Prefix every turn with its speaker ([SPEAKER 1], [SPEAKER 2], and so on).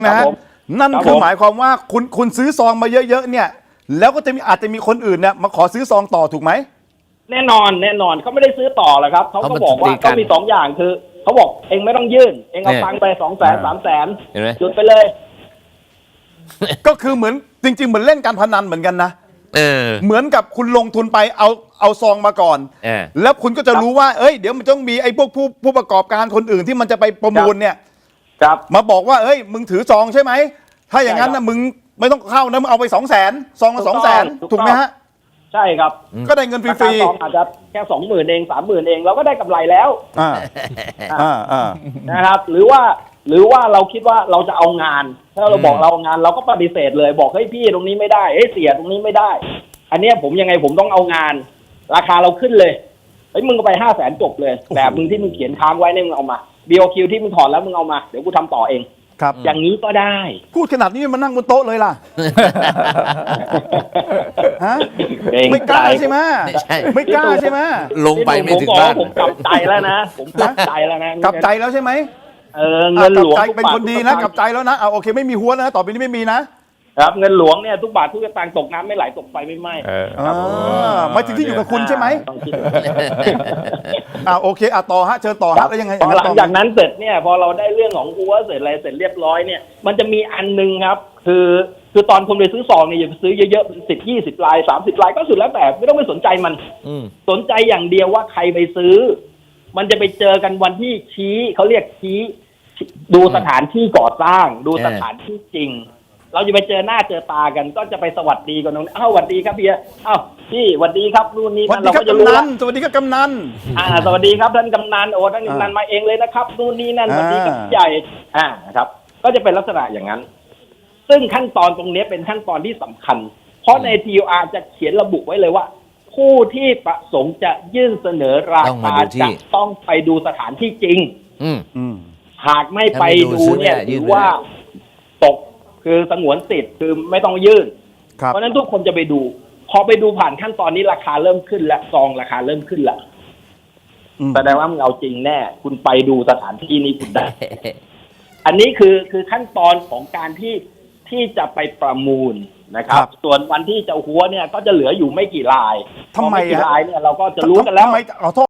[SPEAKER 1] นะฮะนั่นคือหมายความว่าคุณซื้อซองมาเยอะๆเนี่ยแล้วก็อาจจะมีคนอื่นเนี่ยมาขอซื้อซองต่อถูกไหม
[SPEAKER 2] แน่นอนเขาไม่ได้ซื้อต่อหรอกครับเขาก็บอกว่าเขามี2 อย่างคือเขาบอกเองไม่ต้องยื่นเองเอาตังค์ไป200,000 300,000หยุดไปเลย
[SPEAKER 1] ก็คือเหมือนจริงๆเหมือนเล่นการพนันเหมือนกันนะเหมือนกับคุณลงทุนไปเอาซองมาก่อนแล้วคุณก็จะรู้ว่าเอ้ยเดี๋ยวมันต้องมีไอ้พวกผู้ประกอบการคนอื่นที่มันจะไปประมูลเนี่ยมาบอกว่าเอ้ยมึงถือซองใช่ไหมถ้าอย่างนั้นนะมึงไม่ต้องเข้านะมึงเอาไป200,000ซองละ200,000ถูกไหมฮะใช่ครับก็ได้เงินฟรีๆซองอาจจะแค่20,000เอง30,000เองเราก็ได้กำไรแล้วนะครับหรือว่าเราคิดว่าเราจะเอางานถ้าเราบอกเราเอางานเราก็ปฏิเสธเลยบอกเฮ้ยพี่ตรงนี้ไม่ได้เฮ้ยเสียตรงนี้ไม่ได้อันนี้ผมยังไงผมต้องเอางานราคาเราขึ้นเลยเฮ้ยมึงก็ไป500,000จบเลยแบบมึงที่มึงเขียนค้างไว้เนี่ยมึงเอามา BOQ ที่มึงถอนแล้วมึงเอามาเดี๋ยวกูทำต่อเองครับอย่างนี้ก็ได้พูดขนาดนี้มันนั่งบนโต๊ะเลยล่ะฮะไม่กล้าใช่ไหมไม่กล้าใช่ไหม
[SPEAKER 3] ลงไปไม่ถึงบ้าน
[SPEAKER 2] ผมกลับใจแล้วนะผมกลับใจแล้วนะ
[SPEAKER 1] กลับใจแล้วใช่ไหมเงินหลวงเป็นคนดีนะกลับใจแล้วนะโอเคไม่มีหัวนะต่อไปนี้ไม่มีนะครับ
[SPEAKER 2] เงินหลวงเนี่ยทุกบาททุกสตางค์ตกน้ำไม่ไหลตกไฟไม่ไหม้
[SPEAKER 1] ไม่ถึงที่อยู่กับคุณใช่ไหมโอเคต่อฮะเชิญต่อฮะแล้วยังไง
[SPEAKER 2] หลังจากนั้นเสร็จเนี่ยพอเราได้เรื่องของหัวเสร็จอะไรเสร็จเรียบร้อยเนี่ยมันจะมีอันนึงครับคือตอนคุณไปซื้อซองเนี่ยอย่าไปซื้อเยอะๆ10-20 ลาย30 ลายก็สุดแล้วแต่ไม่ต้องไปสนใจมันสนใจอย่างเดียวว่าใครไปซื้อมันจะไปเจอกันวันที่ชี้เขาเรียกชี้ดูสถานที่ก่อสร้างดูสถานที่จริงเราจะไปเจอหน้าเจอตากันก็จะไปสวัสดีกันตรงนี้สวัสดีครับพี่พี่สวัสดีครับนู่นนี่นั่นเราก็จะรู้แล้ว
[SPEAKER 1] สวัสดีครับกำนัน
[SPEAKER 2] สวัสดีครับท่านกำนันโอ้ท่านกำนันมาเองเลยนะครับนู่นนี่นั่นสวัสดีครับใหญ่นะครับก็จะเป็นลักษณะอย่างนั้นซึ่งขั้นตอนตรงนี้เป็นขั้นตอนที่สำคัญเพราะใน TOR จะเขียนระบุไว้เลยว่าผู้ที่ประสงค์จะยื่นเสนอราคาจะต้องไปดูสถานที่จริงหากไม่ไปดูเนี่ยถือว่าตกคือสงวนสิทธิ์คือไม่ต้องยื่นเพราะฉะนั้นทุกคนจะไปดูพอไปดูผ่านขั้นตอนนี้ราคาเริ่มขึ้นและซองราคาเริ่มขึ้นละแสดงว่ามึงเอาจริงแน่คุณไปดูสถานที่นี้คุณได้อันนี้คือขั้นตอนของการที่จะไปประมูลนะครับส่วนวันที่จะหัวเนี่ยก็จะเหลืออยู่ไม่กี่ลาย
[SPEAKER 1] ทำไม
[SPEAKER 2] กี่ลายเนี่ยเราก็จะรู้กันแล้ว